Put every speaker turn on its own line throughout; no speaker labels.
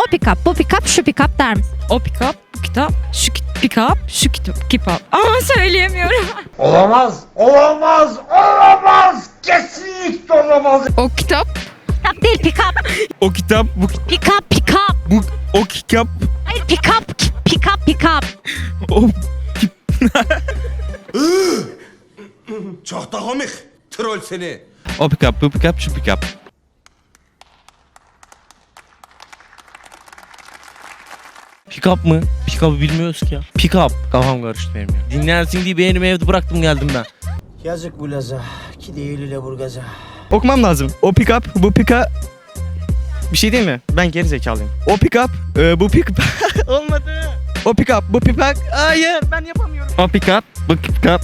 O pick-up, bu pick-up, şu pick-up der misin?
O pick-up, bu kitap, şu pick-up, şu kitap. Ama söyleyemiyorum.
Olamaz, olamaz, olamaz. Kesinlikle olamaz.
O kitap,
Pick-up değil, pick-up.
O kitap bu
Pick-up, pick-up.
o kitap
Hayır, pick-up, pick-up, pick-up.
o
Çok da komik. Troll seni.
o pick-up bu pick-up şu pick-up.
Pick-up mı? Pick-up'ı bilmiyoruz ki ya. Pick-up. Kafam karıştı benim ya. Dinlersin diye beğenimi evde bıraktım geldim ben.
Yazık bu Laza. Ki değil Lüleburgaz'a.
Okumam lazım. O pick-up bu pick-up. Bir şey değil mi? Ben geri zekalıyım. O pick-up bu pick olmadı. O pick-up bu pick-up. Hayır ben yapamıyorum. O pick-up bu pick-up.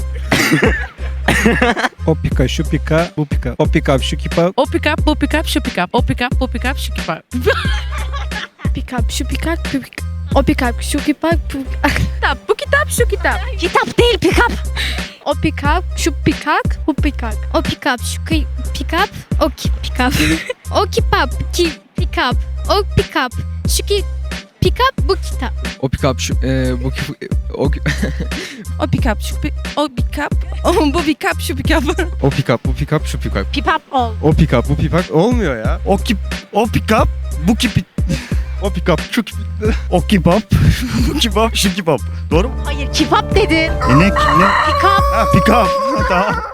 O pika, şu pika, bu pika. O pika, şu kipa.
o pick-up, bu pick-up, şu pick-up. O pick-up, bu pick-up, şu pick-up.
Pick-up, şu pick-up, o pick-up, şu kitap,
Kitap, bu kitap, şu kitap.
Kitap değil, pick-up.
o pick-up, şu pick-up, bu pick-up.
O pick-up, şu pick-up, o pick-up. O pick-up, o pick-up, şu pick-up, bu kitap.
O pick-up şu bu o
O pick-up, şu o pick-up, bu pick-up, şu pick-up.
o pick-up bu pick-up şu pick-up.
Pick-up ol.
O pick-up bu pick-up olmuyor ya. O pick-up bu o pick-up şu o kebap bu kebap şu kebap. Doğru mu?
Hayır, kebap dedin.
Ne?
Pick-up.
Ha, pika. Tamam.